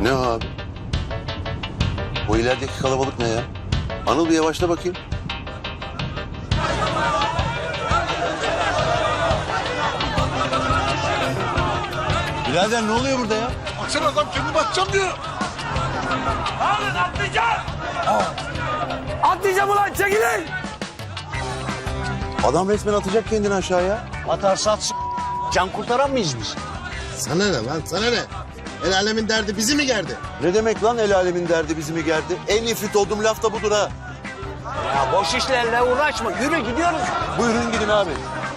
Ne o abi? O ilerideki kalabalık ne ya? Anıl bir yavaşla bakayım. Birader ne oluyor burada ya? Baksana adam kendi batacağım diyor. Alın atlayacağım. Atlayacağım ulan çekilin. Adam resmen atacak kendini aşağıya. Atarsa atsın. Can kurtaran mıyız biz? Sana ne lan sana ne? El alemin derdi bizi mi gerdi? Ne demek lan el alemin derdi bizi mi gerdi? En nefret olduğum laf da budur ha. Ya boş işlerle uğraşma. Yürü gidiyoruz. Buyurun gidin abi.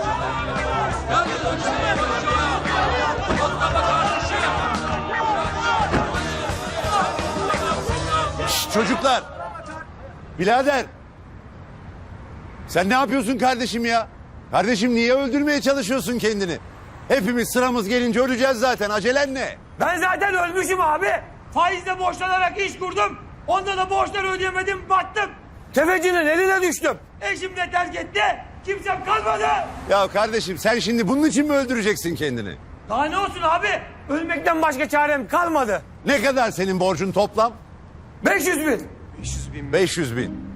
Şşt, çocuklar. Birader. Sen ne yapıyorsun kardeşim ya? Kardeşim niye öldürmeye çalışıyorsun kendini? Hepimiz sıramız gelince öleceğiz zaten. Acelen ne? Ben zaten ölmüşüm abi. Faizle borçlanarak iş kurdum. Onda da borçları ödeyemedim battım. Tefecinin eline düştüm. Eşim de terk etti. Kimsem kalmadı. Ya kardeşim sen şimdi bunun için mi öldüreceksin kendini? Daha ne olsun abi? Ölmekten başka çarem kalmadı. Ne kadar senin borcun toplam? 500 bin. 500 bin.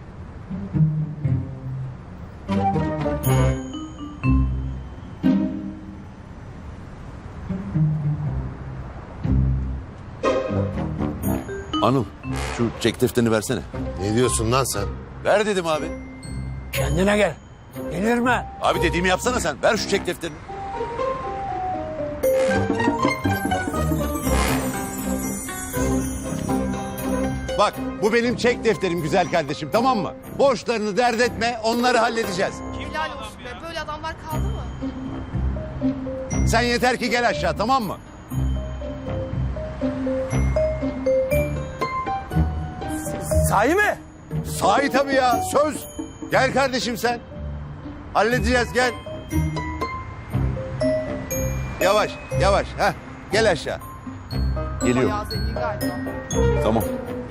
Anıl şu çek defterini versene. Ne diyorsun lan sen? Ver dedim abi. Kendine gel. Delirme. Abi dediğimi yapsana sen. Ver şu çek defterini. Bak bu benim çek defterim güzel kardeşim, tamam mı? Borçlarını dert etme, onları halledeceğiz. Helal olsun be. Böyle adamlar kaldı mı? Sen yeter ki gel aşağı, tamam mı? Sahi mi? Sahi tabii ya, söz. Gel kardeşim sen. Halledeceğiz, gel. Yavaş, yavaş. Heh, gel aşağı. Geliyor. Bayağı zengin galiba. Tamam.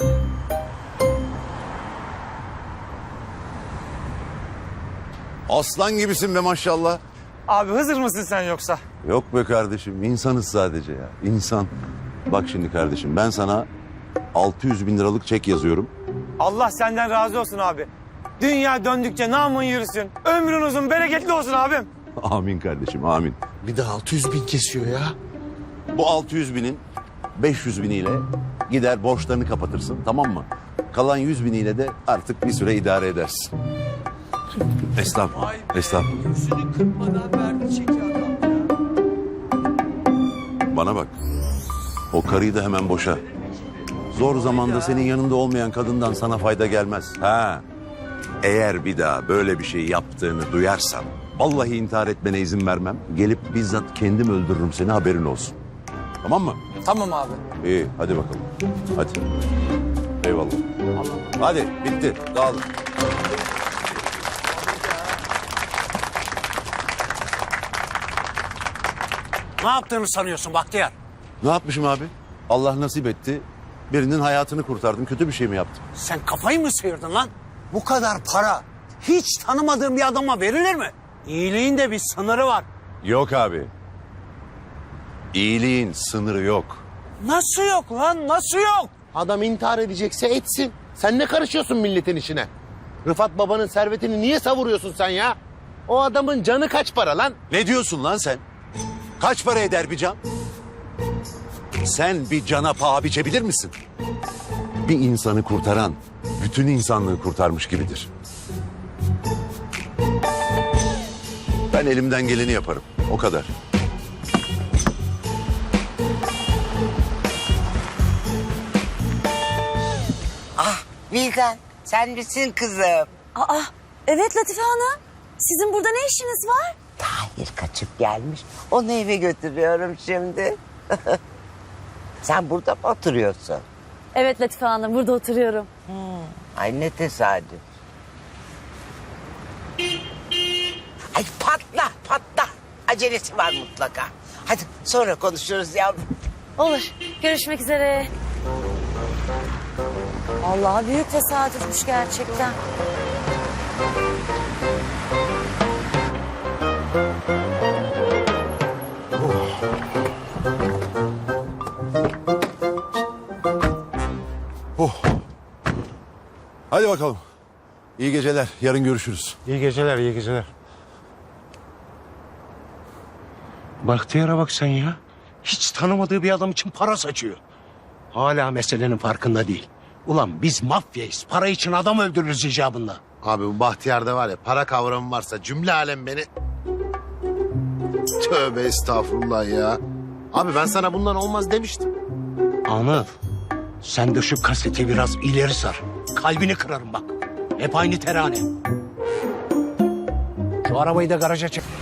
Aslan gibisin be maşallah. Abi Hızır mısın sen yoksa? Yok be kardeşim, insanız sadece ya. İnsan. Bak şimdi kardeşim, ben sana 600 bin liralık çek yazıyorum. Allah senden razı olsun abi. Dünya döndükçe namın yürüsün. Ömrün uzun, bereketli olsun abim. Amin kardeşim, amin. Bir de 600 bin kesiyor ya. Bu 600 binin 500 biniyle gider borçlarını kapatırsın, tamam mı? Kalan 100 biniyle de artık bir süre idare edersin. Estağfurullah, estağfurullah. Yüzünü kırpmadan verdi çeki adam. Bana bak, o karıyı da hemen boşa. Zor zamanda senin yanında olmayan kadından sana fayda gelmez. Ha. Eğer bir daha böyle bir şey yaptığını duyarsam, vallahi intihar etmene izin vermem. Gelip bizzat kendim öldürürüm seni, haberin olsun. Tamam mı? Tamam abi. İyi, hadi bakalım. Hadi. Eyvallah. Hadi, bitti. Dağılın. Ne yaptığını sanıyorsun Bahtiyar? Ne yapmışım abi? Allah nasip etti. Birinin hayatını kurtardım. Kötü bir şey mi yaptım? Sen kafayı mı sıyırdın lan? Bu kadar para hiç tanımadığın bir adama verilir mi? İyiliğin de bir sınırı var. Yok abi. İyiliğin sınırı yok. Nasıl yok lan? Nasıl yok? Adam intihar edecekse etsin. Sen ne karışıyorsun milletin işine? Rıfat babanın servetini niye savuruyorsun sen ya? O adamın canı kaç para lan? Ne diyorsun lan sen? Kaç para eder bir can? Sen bir cana paha biçebilir misin? Bir insanı kurtaran bütün insanlığı kurtarmış gibidir. Ben elimden geleni yaparım. O kadar. Vildan, sen misin kızım? Aa, evet Latife Hanım. Sizin burada ne işiniz var? Tahir kaçıp gelmiş. Onu eve götürüyorum şimdi. Sen burada mı oturuyorsun? Evet Latife Hanım, burada oturuyorum. Ay ne tesadüf. Ay patla patla. Acelesi var mutlaka. Hadi sonra konuşuruz yavrum. Olur, görüşmek üzere. Vallahi büyük tesadüfmüş gerçekten. Hadi bakalım. İyi geceler. Yarın görüşürüz. İyi geceler, iyi geceler. Bahtiyar'a bak sen ya. Hiç tanımadığı bir adam için para saçıyor. Hala meselenin farkında değil. Ulan biz mafyayız. Para için adam öldürürüz icabında. Abi bu Bahtiyar'da var ya, para kavramı varsa cümle alem beni... Tövbe estağfurullah ya. Abi ben sana bundan olmaz demiştim. Anıl, sen de şu kaseti biraz ileri sar. Kalbini kırarım bak. Hep aynı terane. Şu arabayı da garaja çek.